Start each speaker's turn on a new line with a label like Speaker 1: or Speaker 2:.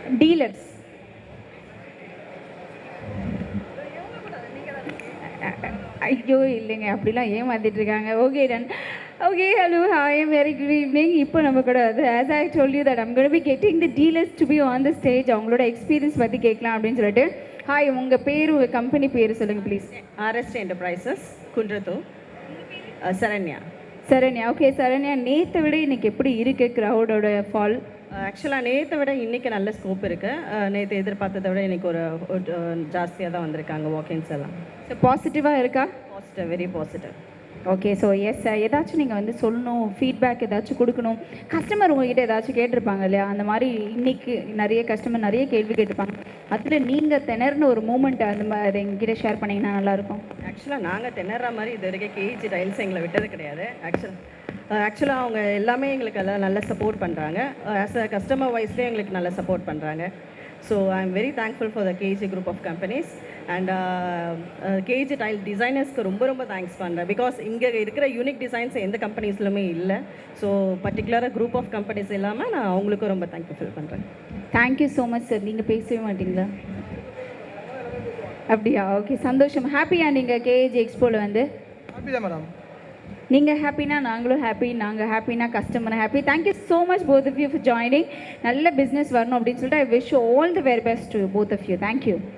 Speaker 1: Dealers. ஐயோ இல்லைங்க, அப்படிலாம் ஏமாத்திட்டு இருக்காங்க. Okay done. Okay hello hi very good evening. இப்போ நம்ம கூட வந்து as I told you that I'm gonna be getting the dealers to be on the stage. அவங்களோட எக்ஸ்பீரியன்ஸ் பற்றி கேட்கலாம் அப்படின்னு சொல்லிட்டு. ஹாய், உங்கள் பேர் உங்கள் கம்பெனி பேர் சொல்லுங்கள் please.
Speaker 2: RST enterprises Kundrathur. Saranya.
Speaker 1: Saranya. Okay Saranya, நேற்றை விட இன்னைக்கு எப்படி இருக்குது க்ரௌடோட ஃபால்?
Speaker 2: ஆக்சுவலாக நேற்றை விட இன்றைக்கி நல்ல ஸ்கோப் இருக்குது. நேற்று எதிர்பார்த்ததை விட இன்றைக்கி ஒரு ஜாஸ்தியாக தான் வந்திருக்காங்க வாக்கிங்ஸ் எல்லாம்.
Speaker 1: ஸோ பாசிட்டிவாக இருக்கா?
Speaker 2: Positive, very positive.
Speaker 1: Okay so yes, ஏதாச்சும் நீங்கள் வந்து சொல்லணும், ஃபீட்பேக் ஏதாச்சும் கொடுக்கணும். கஸ்டமர் உங்ககிட்ட ஏதாச்சும் கேட்டிருப்பாங்க இல்லையா? அந்த மாதிரி இன்னைக்கு நிறைய கஸ்டமர் நிறைய கேள்வி கேட்டிருப்பாங்க. அதில் நீங்கள் திணறின ஒரு மூமெண்ட் அந்த மாதிரி எங்ககிட்ட ஷேர் பண்ணிங்கன்னா நல்லாயிருக்கும்.
Speaker 2: ஆக்சுவலாக நாங்கள் திணற மாதிரி இது வரைக்கும் கேஜி டைல்ஸ் எங்களை விட்டது கிடையாது. ஆக்சுவலாக அவங்க எல்லாமே எங்களுக்கு எல்லாம் நல்லா சப்போர்ட் பண்ணுறாங்க. ஆஸ் அ கஸ்டமர் வைஸ்லேயே எங்களுக்கு நல்லா சப்போர்ட் பண்ணுறாங்க. So I am very thankful for the KG group of companies and KG tile டிசைனர்ஸ்க்கு ரொம்ப ரொம்ப தேங்க்ஸ் பண்ணுறேன். பிகாஸ் இங்கே இருக்கிற யூனிக் டிசைன்ஸ் எந்த கம்பெனிஸ்லுமே இல்லை. ஸோ பர்டிகுலராக குரூப் ஆஃப் கம்பெனிஸ் இல்லாமல் நான் அவங்களுக்கும் ரொம்ப தேங்க்யூ ஃபீல் பண்ணுறேன்.
Speaker 1: Thank you so much sir. நீங்கள் பேசவே மாட்டிங்களா? அப்படியா? ஓகே சந்தோஷம். ஹாப்பியா நீங்கள் கேஏஜி எக்ஸ்போவில் வந்து?
Speaker 3: ஹாப்பி தான் மேடம்.
Speaker 1: நீங்கள் ஹாப்பினா நாங்களும் ஹாப்பி, நாங்கள் ஹாப்பினா customer happy. Thank you so much both of you for joining. நல்ல பிஸ்னஸ் வரணும் அப்படின்னு சொல்லிட்டு I wish all the very best to both of you. Thank you.